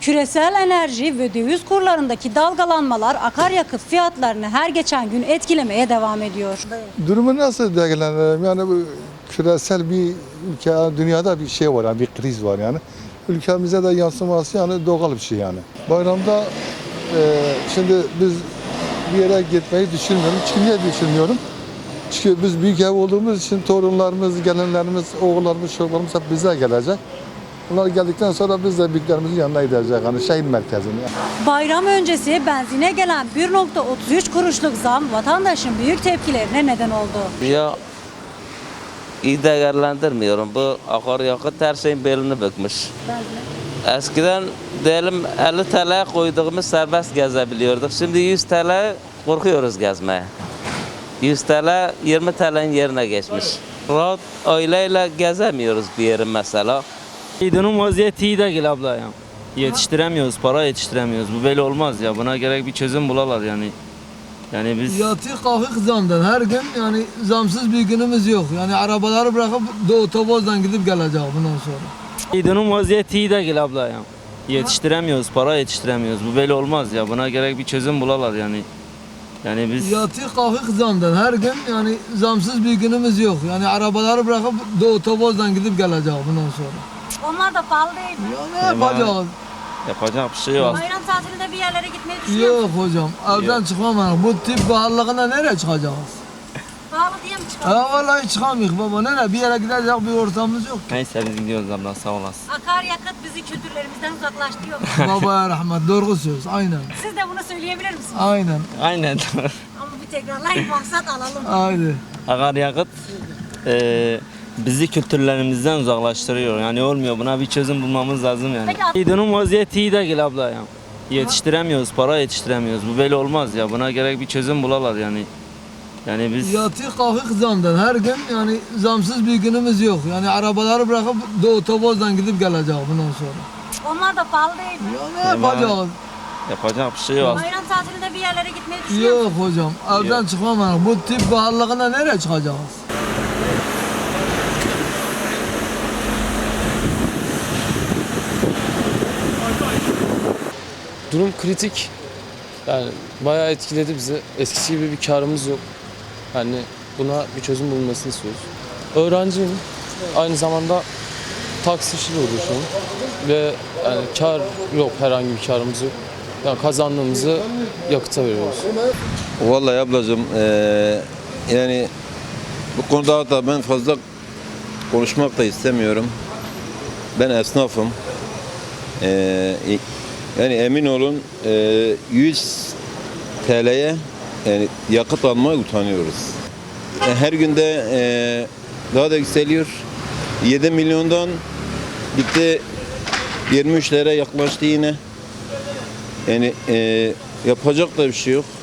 Küresel enerji ve döviz kurlarındaki dalgalanmalar akaryakıt fiyatlarını her geçen gün etkilemeye devam ediyor. Durumu nasıl değerlendirelim? Yani bu küresel bir ülke, dünyada bir şey var, yani bir kriz var yani. Ülkemize de yansıması yani doğal bir şey yani. Bayramda şimdi biz bir yere gitmeyi düşünmüyorum. Çünkü niye düşünmüyorum? Çünkü biz büyük ev olduğumuz için torunlarımız, gelinlerimiz, oğullarımız, çocuklarımız hep bize gelecek. Bunlar geldikten sonra biz de büyüklerimizin yanına gideceğiz. Yani şehir merkezine. Bayram öncesi benzine gelen 1,33 kuruşluk zam vatandaşın büyük tepkilerine neden oldu. Ya iyi değerlendirmiyorum. Bu akaryakıt her şeyin belini bükmüş. Eskiden diyelim 50 TL'ye koyduğumuz serbest gezebiliyorduk. Şimdi 100 TL korkuyoruz gezmeye. 100 TL 20 TL'nin yerine geçmiş. Rahat aileyle gezemiyoruz bir yerin mesela. Durum vaziyeti iyi değil abla ya. Yetiştiremiyoruz, para yetiştiremiyoruz. Bu böyle olmaz ya. Buna gerek bir çözüm bulalar yani. Yani biz Yatı kalkık zamdan her gün yani zamsız bir günümüz yok. Yani arabaları bırakıp otobüsden gidip gelecek bundan sonra. durum vaziyeti iyi değil abla ya. Yetiştiremiyoruz, para yetiştiremiyoruz. Bu böyle olmaz ya. Buna gerek bir çözüm bulalar yani. Yani biz Yatı kalkık zamdan her gün yani zamsız bir günümüz yok. Yani arabaları bırakıp otobüsden gidip gelecek bundan sonra. Onlar da pahalı değil mi? Ya ne yapacağız? yapacak bir şey yok. Bayram tatilinde bir yerlere gitmeyi düşünüyor Yok hocam evden çıkmam. Bu tip pahalılığına nereye çıkacağız? Pahalı diye mi çıkıyor? Ha vallahi çıkamıyoruz baba. Nereye bir yere gidecek bir ortamımız yok. Neyse biz gidiyoruz abla sağ olasın. Akaryakıt bizi kültürlerimizden uzaklaştırıyor. Babaya rahmet doğru söz aynen. Siz de bunu söyleyebilir misiniz? Aynen. Aynen. Ama bir tekrarlayın maksat alalım. Aynen. Akaryakıt bizi kültürlerimizden uzaklaştırıyor. Yani olmuyor. Buna bir çözüm bulmamız lazım yani. Peki. Durum vaziyeti iyi değil abla ya. Yetiştiremiyoruz, para yetiştiremiyoruz. Bu böyle olmaz ya. Buna gerek bir çözüm bulalar yani. Yani biz Yatı kalkık zamdan her gün yani zamsız bir günümüz yok. Yani arabaları bırakıp otobüsden gidip gelecek bundan sonra. Onlar da pahalı değil mi? Ya ne yapacağız? yapacak bir şey yok. Bayram tatilinde bir yerlere gitmeyi düşünüyor Yok hocam evden çıkmam. Bu tip pahalılığına nereye çıkacağız? Durum kritik. Yani bayağı etkiledi bizi. Eskisi gibi bir karımız yok. Yani buna bir çözüm bulunmasını istiyoruz. Öğrenciyim. Aynı zamanda taksi işiyle uğraşıyorum. Ve yani kar yok, herhangi bir karımız yok. Yani kazandığımızı yakıta veriyoruz. Vallahi ablacığım yani bu konuda da ben fazla konuşmak da istemiyorum. Ben esnafım. Yani emin olun 100 TL'ye yani yakıt almaya utanıyoruz. Her günde daha da yükseliyor. 7 milyondan gitti 23'lere yaklaştı yine. Yani yapacak da bir şey yok.